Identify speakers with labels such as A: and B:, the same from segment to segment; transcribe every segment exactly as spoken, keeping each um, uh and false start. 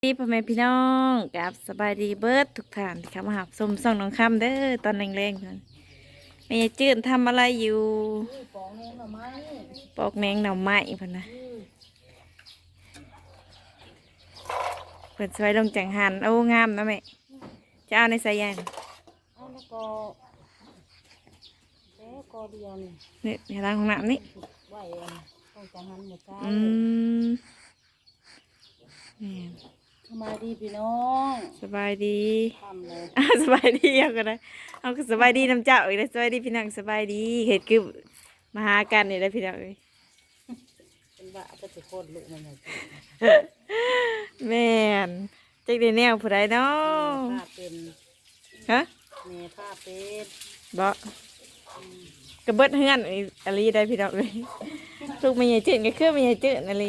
A: ดีพ่อแม่พี่น้องกับสบายดีเบิร์ดทุกท่านที่เข้ามาหาสมส่องน้องคำเด้อตอนแรงๆนั่นแม่ยายจืดทำอะไรอยู่
B: ปอกแมงหน่อไม้
A: ปอกแมงหน่อไม้พ่นนะเปิดสวยลงจังหันโอ้งามนะแม่จะเอาในสายยาง
B: เอาแล้วก็แล้วก็เดียวนี่
A: นี่ในร้านของน้ำนี่
B: ไหวต้องจังหันหมดใจ
A: อืมนี่
B: สบายดีพี่น้อง
A: สบายดี
B: ทำเลย
A: อ่ะสบายดีเอาก็ได้เอาก็สบายดีน้ำเจ้าอีกแล้วสบายดีพี่น้องสบายดีเห็ดคือมาหากันนี่แหละพี่น้องเอ้ย
B: เป็นว่าจะจะโคตรลุมันเลย
A: แม่นจักได้แนวผู้ใดเนาะ
B: ผ้าเป็น
A: ฮะ
B: เมผ้าเป็น
A: บ่กระเบิดเฮือนอีอะไรได้พี่น้องเลยลูกไม่ใหญ่จืดก็คือไม่ใหญ่จืดอะไร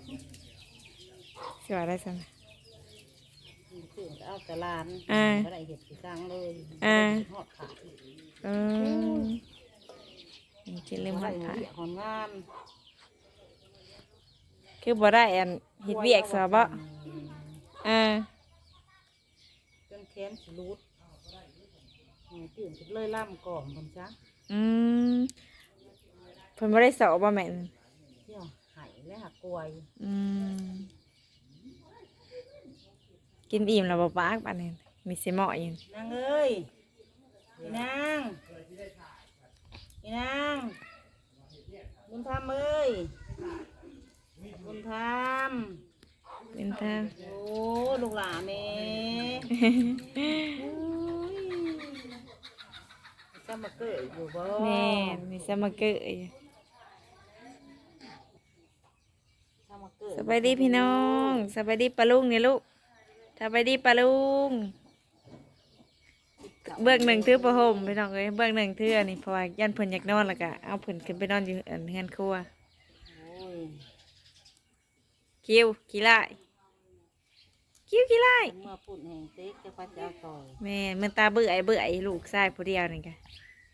A: สิว่าได้ซั่น
B: ตื่นเอาแต่ลานก็ได้เห็ดสีกลางเลยหอดขา
A: เออกินลืมหอดขา
B: หอมงาม
A: คือบ่ได้อันเฮ็ดเวียกซะบ่อ่า
B: จนแขนสลุดตื่นเลยล่ำก่อนผมจ้ะ
A: อืมเพิ่นบ่ได้สอบบ่แม่น
B: เที่ยวหายและหักกลวย
A: อืมกินอิ่มแล้วบ่ปากปานนี้มีสิเหมาะอยู่
B: นางเอ้ยพี่นางพี่นางบุญธรรมเอ้ยบุญธรรม
A: เป็นทาง
B: โอ้ลูกหลานแม่จะมาเกิดอยู่บ่
A: แม่มีสมาเกยสบายดีพี่น้องสบายดีปลาลุงเนี่ยลูกสบายดีปลาลุงเบื้องหนึ่งถือประหมพี่น้องเอ้ยเบื้องหนึ่งถืออันนี้เพราะว่ายันเพิ่นอยากนอนแล้วก็เอาเพิ่นขึ้นไปนอนอยู่อันเฮือนครัวคิวกี่ไล่คิวกี่ไล่
B: เมื่อปุ่นแห่งเต็กจะพัดจะเอาต่อย
A: แม่เมื่อตาเบื่อไอ้เบื่อไอ้ลูกชายผู้เดียวนี่ค่ะ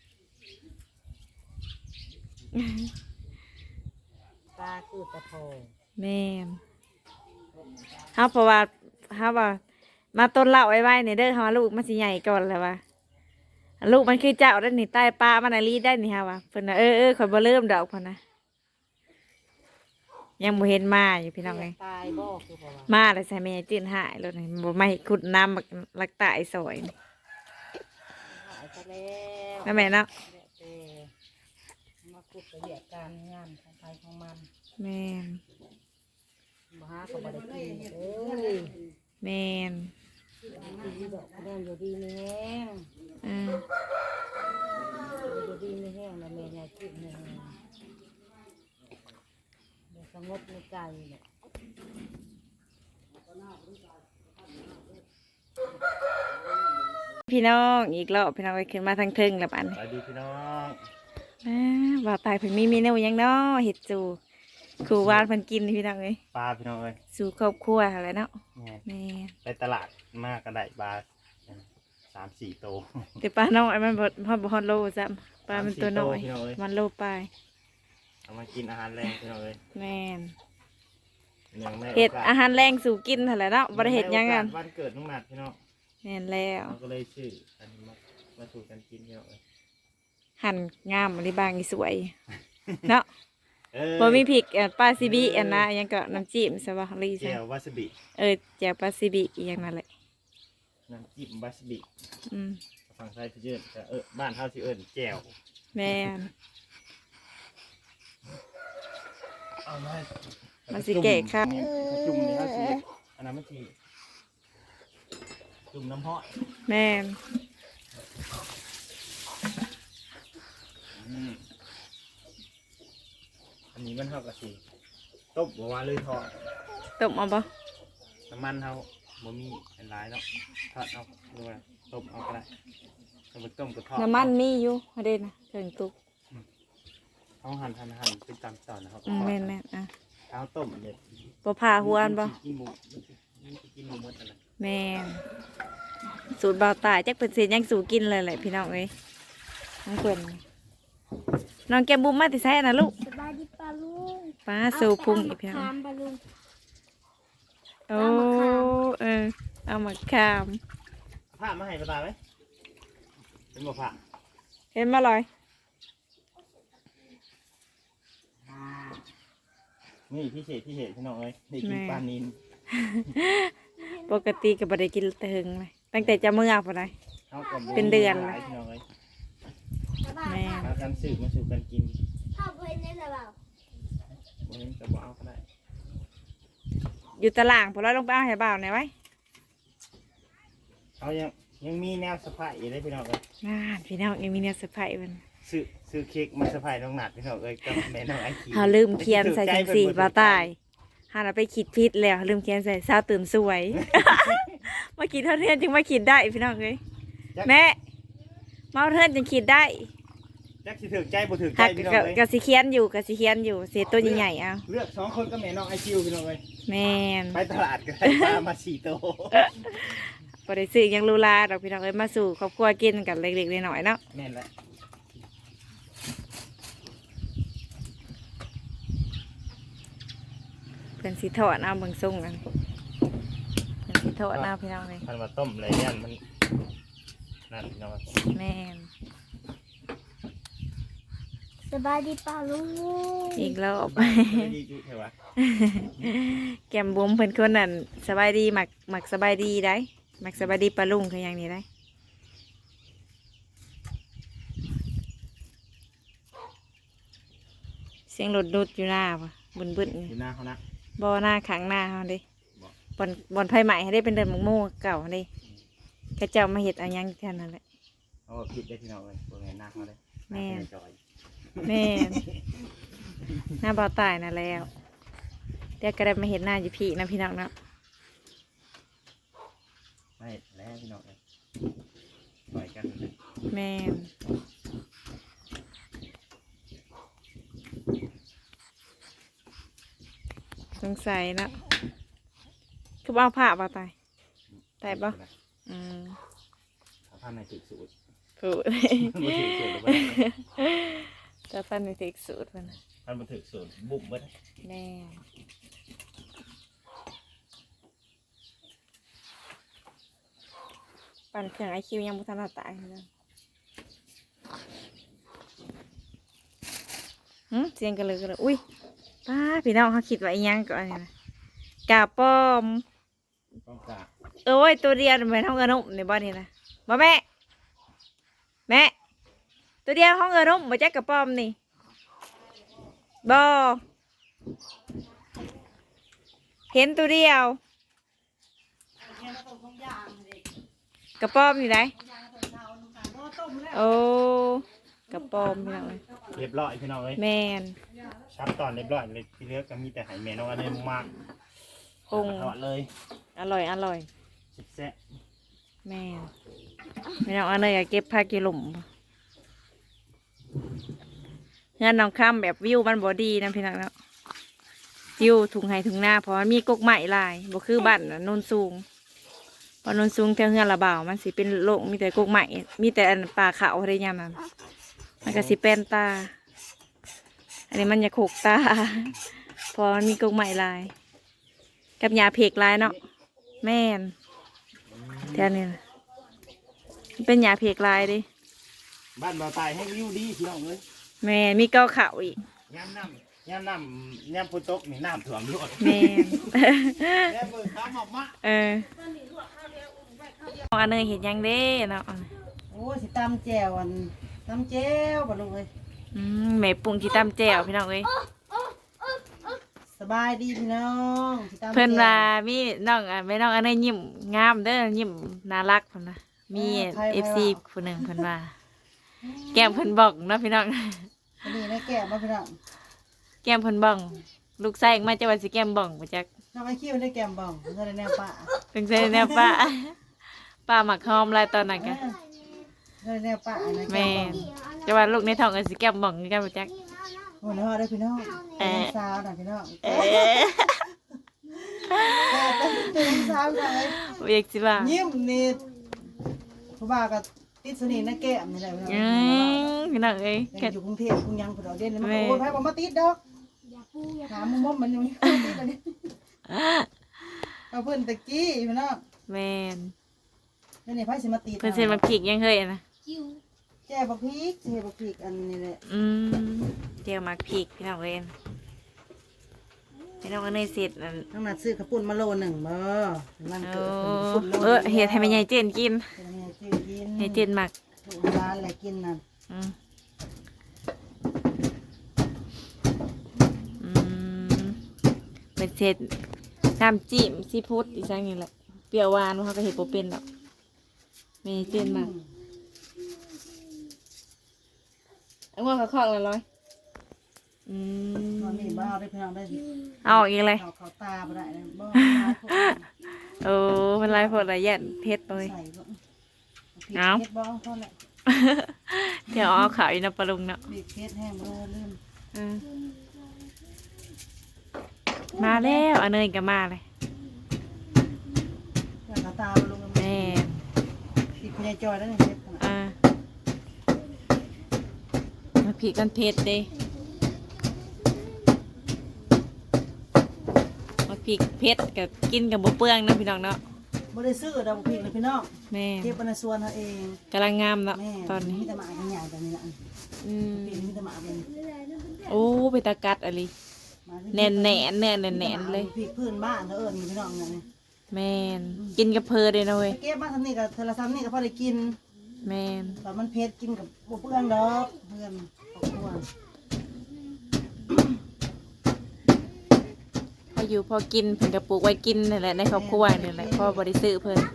B: ตาคือตะโพ
A: แม่เฮาเพราะว่าเฮาว่ามาต้นเล่าไว้ไว้ในเด้อเฮาลูกมันสิใหญ่ก่อนแล้วว่าลูกมันคือเจ้าได้นี่ใต้ป้ามันน่ะรีได้นี่ฮะว่าเพิ่นน่ะเออเออข่อยบ่เริ่มดอกพุ่นนะยังบ่เห็นมาอยู่พี่น้องเอ้ย
B: ตายบ่คือบ่ว่า
A: มาแล้วใส่แม่จื้นหายแล้วนี่บ่ไม่ขุดน้ำบักลักตายซอยนี่
B: หายไปแล้ว
A: นั่นแม่เนาะ
B: มาขุดไปเรียกการงานของใครของมัน
A: แม่น
B: บ่หาก็บ่ได้กินเอ้ย
A: แม่น
B: ดีดอกคะแนนอยู่ดีนี่แห้ง
A: อือ
B: อยู่ดีนี่แห้งแล้วแม่ยายกินนี่เดี๋ยวสงบในใจเนี่ย
A: พี่น้องอีกรอบพี่น้องไปขึ้นมาทางเทิงแล้วปัน
C: สวัสดีพี่น้อง
A: ว่าตายเพิ่นมีเมนูยังเนาะเห็ดจูครูวานเพิ่นกินพี่น้องเอ้ย
C: ปลาพี่น้องเอ้ย
A: สู่ครอบครัวอะไรเนาะแม่
C: ไปตลาดมากกระไดปลาสามสี่โต
A: แต่ปลาน้อยมันบ่ฮอดบ่ฮอดโลซ้ำปลามันตัวน้อยมันโลปลาย
C: เอามากินอาหารแรงพี่น้องเอ้ย
A: แม่น
C: เ
A: เห็ดอาหารแรงสู่กินอะไรเนาะบ่ได้เห็ดยังกัน
C: วันเกิดน้องนัดพี่น้อง
A: แม่นแล้ว
C: ก็เลยชื่ออันนี้มามาสู่กันกินพี่น้องเอ้ย
A: หั่นงามอันนี้บางนี่สวยเนาะบ่มีพริกปลาซิบิอันนะยังก็น้ำจิ้มซะบ่ลี
C: แจ่ววาซาบิ
A: เออแจ่วปลาซิบิอีหยังนั่นแหละ
C: น้ำจิ้มวาซาบิ
A: อืม
C: ฝั่งไทยพี่เอิ้นก็เออบ้านเฮาสิเอิ้นแจ่ว
A: แม่น
C: เอามา
A: มันสิแก่ครับ
C: จุ่มนี่เฮาสิอันนั้นมันสิจุ่มน้ำฮ้อน
A: แม่น
C: อันนี้มันเท่ากับสีต้มบัวเลยทอด
A: ต้มเอาปะ
C: น้ำมันเท่าบ่มีเป็นลายเนาะทอดเอาหรือว่าต้มเอาก็ได้ต้มต้มกับทอด
A: น้ำมันมีอยู่ฮะเด่นนะถึงตุก
C: เอาหั่นหั่นหั่นเป็นตามตอนนะครับ
A: แม่นแม่นอ่ะ
C: เอาต้มเด็ด
A: ปลาผ่าหัวอันปะ
C: กินหมูกินหมูหมดอะไร
A: แม่นสูตรเบาตายจักเป็นเศษยังสูกินเลยแหละพี่น้องเอ้ยน้องเพิ่นน้องแกบุ้มมาติใส่นะลูก
D: สบายดีปลาลุง
A: ป้าสูพุงอีกเพียงโอ้เออเอามาขาม
C: ผ้ามาให้ปลาตายไหมเป็นบ่ผ้า
A: เห็นมาลอย
C: นี่พี่เศษพี่เศษพี่น้องเอ้ยได้กินปลานิน
A: ปกติก็บ่ได้กินแต่หึงเลยตั้งแต่จะเมื่อพอได้
C: เอากับ
A: เป็นเดือน
C: หลายพี่น้องเอ้ย
A: แม่
C: มากันสืบมาสู่กันกิน
D: พ่อเพื่อนได้หรือเปล่า
C: วันนี้จะบ่เอาก็ได้
A: อยู่ตารางพอเราลงไปเอาให้บ่าวหน่อยไว้
C: เอายังยังมีแนวสะพายอยู่ได้พี่น้องเอ้ย
A: อ่าพี่น้องยังมีเนี่ยเซอร์ไพรส์มัน
C: ซื้อซื้อเค้กมาสะพายน้องหนัดพี่น้องเอ้ยกับแม่น้องไอคี
A: เขาลืมเขียนใส่จังสีบ่าวตายหาเราไปคิดผิดแล้วลืมเขียนใส่สาวตื่นสวย มาคิดเท่าเทียนจึงมาคิดได้พี่น้องเอ้ยแม่มาเอาเทินจึงคิดได้
C: จักสิถือใจบ่ถือใจ
A: หัก
C: พี่น้อง
A: กะ
C: เอ้ย
A: กะสิเขียนอยู่กะสิเขียนอยู่เสียตัวใหญ่ๆเอา
C: เลือกสองคนก็แม่น้องไอคิวพี่น้องเอ้ย
A: แม่น
C: ไปตลาดก็ได้ปลามาสี่โตว
A: บ่ได้ซื้อหยังลูลาดอกพี่น้องเอ้ยมาสู่ครอบครัวกินกันเล็กๆน้อยๆเนาะ
C: แม่นแหละ
A: เพิ่นสิทอดเอาเบิ่งส่งกันเพิ่นสิทอดเอาพี่น้องเอ้ย
C: มันมาต้มอะไรยันมันนั่นพี่น้องเอ้ย
A: แม่น
D: สบายดีเปล่าลุง
A: อีกรอบ
C: ไม่ดีจุเถอะวะ
A: แก้มบุ๋มเพิ่นคนนั้นสบายดีหมักหมักสบายดีได้หมักสบายดีปลาลุงคืออย่างนี้ได้เสียงรถดุดอยู่หน้าปะบึนบึน
C: อยู่หน้าเขานะ
A: บ่หน้าขังหน้าเขาเดิ
C: บ่
A: บอนบอนไฟใหม่ให้ได้เป็นเดินหมกโม่เก่าเดิกระเจ้ามาเห็ดอะไรยังแค่นั้นแหละ
C: เอาผิดได้พี่น้องเลยตัวไงหน้าเขาเลย
A: แม่
C: หน้าเขาจอย
A: แม่นหน้าเบาตายน่ะแล้วเดี๋ยวก็ได้มาเห็นหน้าอยู่พี่นะพี่น้องเนาะ
C: ไม่แล้วพี่น้องเลยปล่อยกันเลย
A: แม่นสงสัยเนาะคือบ่เอาผ้าบ่ตายแต่บ่อืม
C: เอาผ้าในจุดสูตร
A: พูด
C: มาถือสูตรหรือเปล่า
A: จะปั้นในเทคสูตรมันน่ะ
C: ท่านมาถือสูตรบุกเบิ้ล
A: แม่ปั่นเครื่องไอคิวยังบุทันตายเลยหืมเสียงกันเลยกันเลยอุ้ยป้าพี่น้องเขาคิดว่าอีหยังก่อนเนี่ยนะกาป้อม
C: ต้องกา
A: เอ้ยตัวเดียวเหมือนห้องเงินนุ่มในบ้านนี่นะบ่แม่แม่ตัวเดียวห้องเงินนุ่มมาแจ็คกระป้อมนี่บ่เห็นตัวเดียวกระป้อมอยู่ไหนโอ้กระป้อมพี่น้องเลย
C: เรียบร้อยพี่น้องเลย
A: แมน
C: ชับตอนเรียบร้อยเลยที่เหลือก็มีแต่ไหแม่น้องอะไรมาก
A: ปรุง
C: ทอดเลย
A: อร่อยอร่อย
C: สิบแซ่บ
A: แม่นพี่น้องอันนี้อยากเก็บผ้ากิหลุมงานน้องข้ามแบบวิวมันบอดีนะพี่น้องเนาะวิวถุงไห้ถุงหน้าเพราะมันมีกกไม้ลายบ่คือบ้านน่ะโนนสูงเพอโนนสูงแถวเฮือนระบ่าวมันสิเป็นโลกมีแต่กกไม้มีแต่อันป่าเขาอะไรอย่างนั้นมันก็สิเป็นตา อันนี้มันจะขกตา เพอมันมีกกไม้ลาย กับยาเพกลายเนาะแม่นแถวนี้นะมันเป็นยาเพกลายดิ
C: บ้านบ่าวตายให้วิวดีพี่น้องเลย
A: แม่นมีเก้าเขาอีก
C: ย่ำน้ำย่ำน้ำย่ำพุตกนี่น้ำถ่วมรวด
A: แม่น
C: แม่เบิกข้าวหมอกมะ
A: เอออันนี้เห็นยังเด้เนาะ
B: โอ้สิตำแจ่วอันตำแจ่วบ่ลุงเอ้ย
A: อืมแม่ปรุงที่ตำแจ่วพี่น้องเอ้ย
B: สบายดีพี่น้องสิตำแจ่ว
A: เพิ่นว่ามีน้องอ่ะแม่น้องอันนี้ยิ้มงามเด้อยิ้มน่ารักเพิ่นนะมีเอฟซีผู้หนึ่งเพิ่นว่า แก้มเพิ่นบอกเนาะพี่น้อง
B: อันนี้นะแก้มมาพี่น้อง
A: แก้มเพิ่นบ้องลูกชายมาจะว่าสิแก้มบ้องบ่จัก
B: น้องไอคิวได้แก้มบ่องเงินได้แนวป่า
A: เพิ่นใส่แนวป้า ป้าหมักหอมหลายตอนนั้นกะ
B: เงินได้แนวป่านะแก้
A: แม่
B: มบ่อง
A: จะว่าลูกในท้องก็สิแก้มบ้องคือกันบ่จัก
B: โอ้โหได้พี่น้องเป็นน้องสาวนะพี่น้อง
A: เอ๊ะ
B: แก้มเป็นน้องสาวเลย
A: บ่อยากสิว่า
B: ยิ้มนี่ผู้บ่าวก็ติดสนิทนะแก้มนี่แหละพี่น้อง
A: อืมพี่น้องเอ้ย
B: ยัง
A: ก็
B: อยู่กรุงเทพกรุงยังผู้ดอกเด่นนี่มัน
A: แม่
B: โอ้ยไผบ่มาติดดอก
D: อย่าปูอย่า
B: ถามมุมมมันยังไม่ติดเลยนี่ ก็เอาเพิ่นตะกี้พี่น้อง
A: แม่น
B: นี่นี่ไผสิมาตี
A: เพิ่นเซ็นมาพริกยังเคยอะนะ
D: จิ้ว
B: แก้บักพริกสิเฮ็ดบักพริกอันนี้แหละ
A: อืมเจียวหมักพริกพี่น้องเว้นพี่น้องก็เนยเสร็จนั่น
B: ทั้งนั้นซื้อข้าวปุ้นมาโลหนึ่งบ่มัน
A: เอ
B: เกิด
A: อ
B: ข้าวปุ้นโล
A: เออเฮ็ดให้แม่ใหญ่เจนกิน
B: เป็นไงจื้อกิน
A: ให้เจนหมัก
B: ถูกร้านอะไรกินนั่น
A: อืมอืมเป็นเสร็จน้ำจิ้มซีฟู้ดอีสังนี่แหละเปรี้ยวหวานเขาก็เห็ดโปเป็นหรอกแม่เจนหมักเอาหัวเขาคอกเลยร้อยอื
B: ตอน
A: ม
B: นี้บ้าได้พี่น้องได้
A: เอาออกอีกเลย
B: เขาเขาตาบ่ได้เลยบ่
A: โอ้เป็นไรพอละเอียดเพชรเลย
B: ใส่บ่
A: เอา
B: เผ็ดบ่เท่านั้น
A: เดี๋ยวเอาขาวอีนปลาลุงเนาะ
B: บีบเผ็ดแห้งบ่ลืม
A: อืมมาแล้วอันเนยก็มาเลย
B: แล้วเขาตาบ่ลง
A: แม่
B: ปิดในจอยแล้วนี่เผ็ด
A: อ่ามาผีกันเพชรเด้มาผีเพชรกับกินกับบุเปื้องนะพี่น้องเนาะ
B: บ่ได้ซื้อดอกพริกเลยพี่น้อง
A: แม่
B: เก็บไว้ในสวนเฮาเอง
A: กำลังงามเนาะ
B: แม่
A: ตอนนี้
B: มีแต่หมาใหญ่แบบนี้ล่ะ
A: อืม
B: ปีนี้มีแต่หมาเป็น
A: โอ้ไปตากัดอะไรแน่นแน่นแน่นแน่นแน่นเลย
B: พริกพื้นบ้านเด้อเอิ้นพี่น้องเนี่ย
A: แม่นกินกับเพอเลยนะเว้ย
B: เก็บมาทำนี่กับเทอละซ้ำนี่ก็พอได้กิน
A: แม่น
B: แต่มันเผ็ดกินกับบ่เปลืองดอกเพื่อนครอบครัว
A: พออยู่พอกินเพิ่นกระปลูกไว้กินนี่แหละในครอบครัวนี่แหละพ่อบริซื้อเพิ่น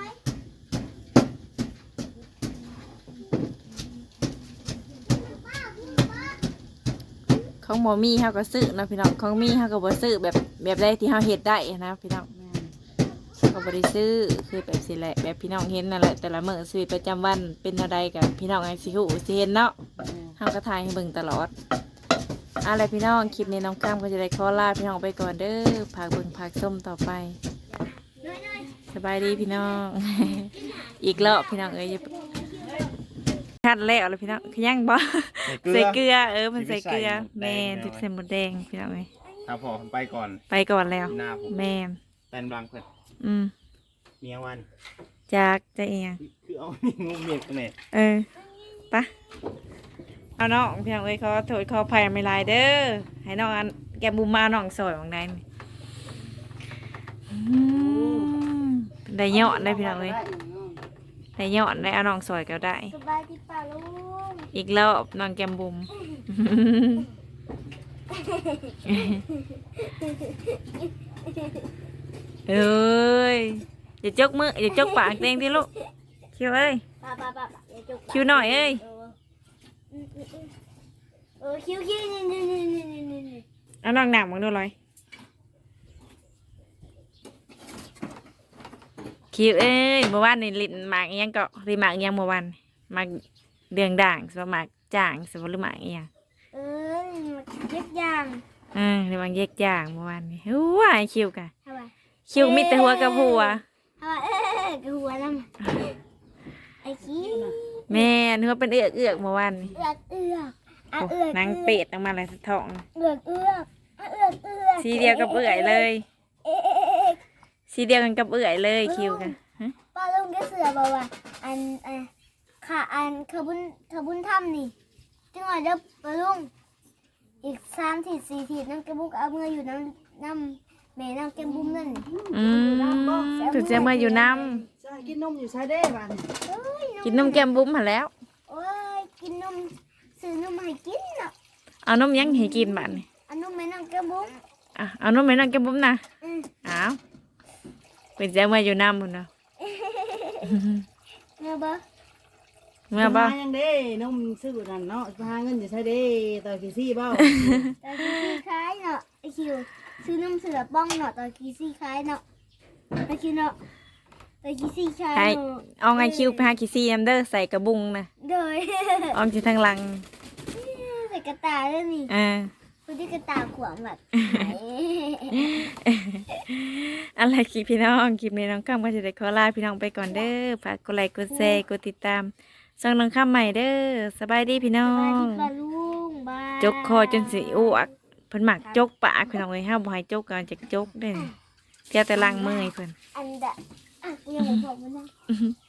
A: ของหมอมี่เฮาก็ซื้อนะพี่น้องของมี่เฮาก็บ่ซื้อแบบแบบใดที่เฮาเฮ็ดได้นะพี่น้อง
B: แม่น
A: ก็บ่ได้ซื้อคือแบบสิแหละแบบพี่น้องเห็นนั่นแหละแต่ละมื้อชีวิตประจำวันเป็นอะไรกับพี่น้องไอ้สิฮู้สิเห็นเนาะ
B: แม่น
A: เฮาก็ถ่ายให้เบิ่งตลอดอะไรพี่น้องคลิปนี้น้องก้ามก็จะได้ขอลาพี่น้องไปก่อนเด้อพากเบิ่งพากส้มต่อไปสบายดีพี่น้อง อีกรอบพี่น้องเอ้ยอย่าคัดแล้วเลยพี่น้องขยังบ่ ใส่เกลือเออมันใส่เกลือแม่นถึกใส่หมดแดงพี่น้องเอ้ย
C: ครับพอผมไปก่อน
A: ไปก่อนแล้ว
C: หน้าผม
A: แม่น
C: แตนบลังเพื่อน
A: อืม
C: เมียวัน
A: จากจะเอียง
C: คือเอานี่งูเมียกันเนี่ย
A: เออปะเอาน้องพี่น้องเอ้ยขอโทษขออภัยไม่หลายเด้อให้น้องอันแกบุมมาน้องสวยบางใดนี่อืมได้ยอดได้พี่น้องเอ้ยได้ยอดได้เอาน้องสวยก็ได้
D: สบายดีป่าลุง
A: อีกรอบน้องแกมบุม เอ้ยอย่าจกมืออย่าจกปากเต็งที่ลูกคิวเอ้ย
D: ป่าป่าป่าป่าอย่าจุก
A: คิวหน่อยเอ้ย
D: เอออืมอืมอืมเออคิวคิวนี่นี่นี่นี่นี่นี่นี่
A: เอาน้องหนักมึงดูเลยคิวเอ้ยเมื่อวานนี่ลิ้นหมากอิหยังก็ริหมากอิหยังเมื่อวานหมากเดืองด่างสวหมากจ่างสวหรือหมากอิหยัง
D: เออเย็บยาง
A: เออหรือหมากแยกจ่างเมื่อวานนี่ว้ายคิวกะ
D: ทำไม
A: คิวมีแต่หัวกับหัว
D: ทำไมเออกับหัวน้ำไอ้ขี้
A: แม่นหัวเป็นเอือกเอือกเมื่อวานนี่
D: เอือกเอือกอ่ะ
A: โอ้
D: เอือก
A: นางเป็ดออกมาเลยท้อง
D: เอือกเอือกอ่ะเอือกเอือก
A: สีเดียวกับเอื่อยเลย
D: เอ๊ะเอ๊ะเอ๊ะเอ๊ะ
A: สีเดียวกันกับเอื่อยเลยคิวกันฮะ
D: ป้าลุงก็เสือบอกว่าอันอันค่ะอันขบุญขบุญถ้ำนี่จังหวะเด้อป้าลุงอีกสามทีสี่ทีน้ำแกบุกเอาเมื่ออยู่น้ำน้ำแม่น้ำแกบุ้มนั่น
A: อืมถึงจะมาอยู่น้
B: ใช่กินนมอยู่ใช้ได้บ้าน
D: เอ้ย
A: ำกินนมแก้มบุ้มมาแล้ว
D: โอ้ยกินนมซื้อนมให้กินเนาะ
A: เอานมยังให้กินบ้านนี่
D: อันนมแม่น้ำแกบุ้ม
A: อ่ะเอานมไปนั่งแก้มบุ้มนะ
D: อืม
A: อ้าวเป็นจะมาอยู่น้ำหมดเนาะ
D: เมื่อบ่
A: เมื่อบ่
B: หายังเด้นมซื้อนั่นเนาะหาเงินอยู่ใช้เด้ต่อกี่ซี่เบ้า
D: ตอนกีซี่คล้ายเนาะไอคิวซื้อนมเสือป้องเนาะตอนกีซี่คล้ายเนาะไอคิวเนาะตอนกีซี่คล้าย
A: ให้
D: เนาะ
A: เอาไงคิวไปหาคิซี่น้ำเด้อใส่กระบุงนะ
D: โดย
A: ออมจีทางหลัง
D: ใส่กระตายด้วยนี่
A: อ่า
D: คุณที่กระตายขวางแบบ
A: อะไรคลิปพี่น้องคลิปนี้น้องข้ามก็จะได้ขอลาพี่น้องไปก่อนเด้อฝากกดไลค์กดแชร์กดติดตามส่งน้องข้ามใหม่เด้อสบายดีพี่น้อบ
D: าย
A: ง
D: ดีปลาลุงบาย
A: จกคอจนสิอ้วกเพิ่นหมักจกปากพี่น้องเอ้ยห้ามบ่ให้จกกันจากจกเด้อเดี๋ยวแต่ล้างมือให้เพิ่น
D: อันดะอ่ะกูยังไม่บอกมันนะ